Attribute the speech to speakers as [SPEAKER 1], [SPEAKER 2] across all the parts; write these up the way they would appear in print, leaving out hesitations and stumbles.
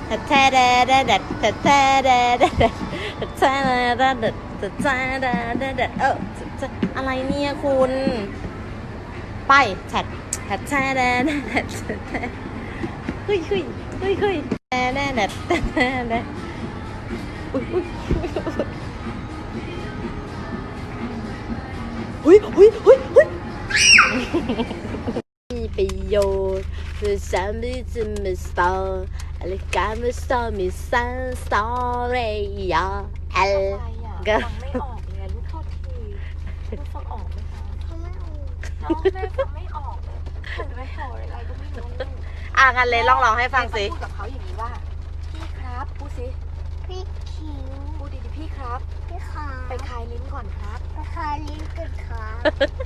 [SPEAKER 1] แท้แดดแดดแท้แท้แดดแดดแท้แดดแดดแท้แดดแดดอะไรเนี่ยคุณไปแท้แท้แท้แดดแดดเฮ้ยแท้แดดแดดแท้แดดอุ้ยมีประโยชน์คือฉันไม่จะไม่สตออะไรการไม่สตอมีสันสตอรี่ยาเอลก็
[SPEAKER 2] ฟังไม่ออกเลยลูกโทษทีลูกฟังออกไหมคะฟังไม่ออกน้องแม่ฟังไม่ออกเลยเหมือนไม่ออกอะไรก็ไม่รู้
[SPEAKER 1] งั้นเลยลองให้ฟังสิ
[SPEAKER 2] พูดกับเขาอย่างนี้ว่าพี่ครับพูดสิ
[SPEAKER 3] พี่คิว
[SPEAKER 2] พูดดีๆพี่ครับ
[SPEAKER 3] พี่ขา
[SPEAKER 2] ไปคลายลิ้นก่อนครับ
[SPEAKER 3] ไปคายลิ้นกันครับ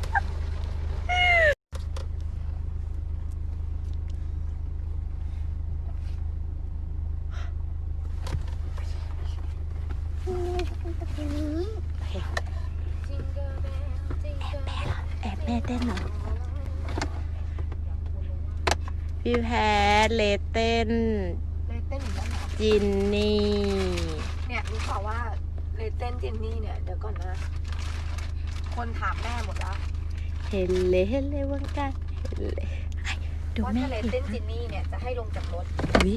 [SPEAKER 1] แอบแม่เต้นเหรอพี่แพทเลเต้น
[SPEAKER 2] เหมือนกันเหรอ
[SPEAKER 1] จินนี่
[SPEAKER 2] เนี่ยรู้ข่าวว่าเลเต้นจินนี่เนี่ยเดี๋ยวก่อนนะคนถามแม่หมดแล้ว
[SPEAKER 1] เห็นเลยวังกันเห็นเลยดูแม่
[SPEAKER 2] เลเต้นจินนี่เนี่ยจะให้ลงจากรถ
[SPEAKER 1] วิ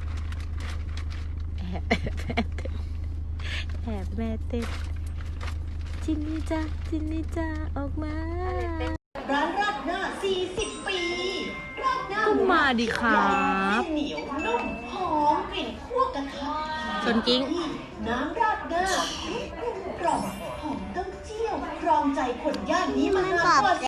[SPEAKER 1] แอบแม่เต้นจินนี่จ้าออกมา
[SPEAKER 4] ร้านราดหน้า40 ปีราดหน้า
[SPEAKER 1] ก็มาดิครับ
[SPEAKER 4] เหนียวนุ่มหอมกลิ่นคั่วกระทะ
[SPEAKER 1] จนจริง
[SPEAKER 4] น้ำราดหน้ากลมหอมเต้าเจี้ยวครองใจคนย่านนี้มานานกว่า